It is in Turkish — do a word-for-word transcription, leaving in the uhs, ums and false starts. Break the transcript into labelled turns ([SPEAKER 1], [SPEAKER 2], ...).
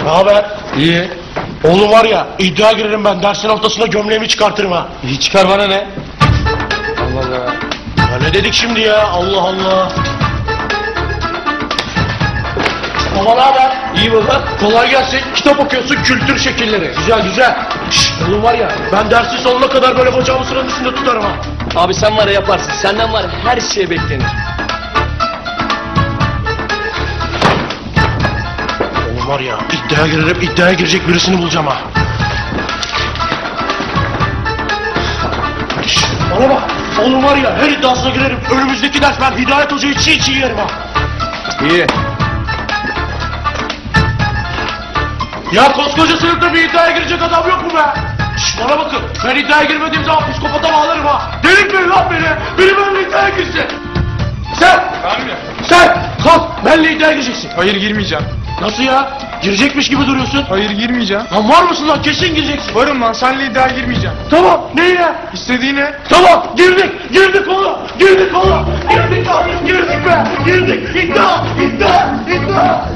[SPEAKER 1] Ne haber?
[SPEAKER 2] İyi.
[SPEAKER 1] Oğlum var ya, iddia girerim ben, dersin ortasında gömleğimi çıkartırım ha.
[SPEAKER 2] İyi çıkar, bana ne? Allah Allah.
[SPEAKER 1] Ya ne dedik şimdi ya, Allah Allah. Baba ne haber?
[SPEAKER 2] İyi baba.
[SPEAKER 1] Kolay gelsin. Kitap okuyorsun, kültür şekilleri. Güzel güzel. Şşş, oğlum var ya, ben dersin sonuna kadar böyle bacağımı sıranın üstünde tutarım ha.
[SPEAKER 2] Abi sen var ya yaparsın. Senden var ya her şeye beklenir.
[SPEAKER 1] Oğlum var ya, iddiaya girerim, iddiaya girecek birisini bulacağım ha. Şşş, bana bak. Oğlum var ya, her iddiasına girerim. Önümüzdeki ders ben Hidayet Hoca'yı çiğ çiğ yerim ha.
[SPEAKER 2] İyi.
[SPEAKER 1] Ya koskoca sınıfta bir iddiaya girecek adam yok mu be? Şşş, bana bakın, ben iddiaya girmediğim zaman psikopata bağlarım ha. Delirtmeyin lan beni, biri benimle iddiaya girsin. Sen,
[SPEAKER 3] Abi.
[SPEAKER 1] sen kalk, benimle iddiaya gireceksin.
[SPEAKER 3] Hayır, girmeyeceğim.
[SPEAKER 1] Nasıl ya? Girecekmiş gibi duruyorsun.
[SPEAKER 3] Hayır, girmeyeceğim.
[SPEAKER 1] Lan var mısın lan, kesin gireceksin.
[SPEAKER 3] Varım lan, senle iddiaya girmeyeceğim.
[SPEAKER 1] Tamam, neyine?
[SPEAKER 3] İstediğine.
[SPEAKER 1] Tamam, girdik, girdik oğlum, girdik oğlum. Girdik lan, girdik be, girdik. İddia, iddia, iddia.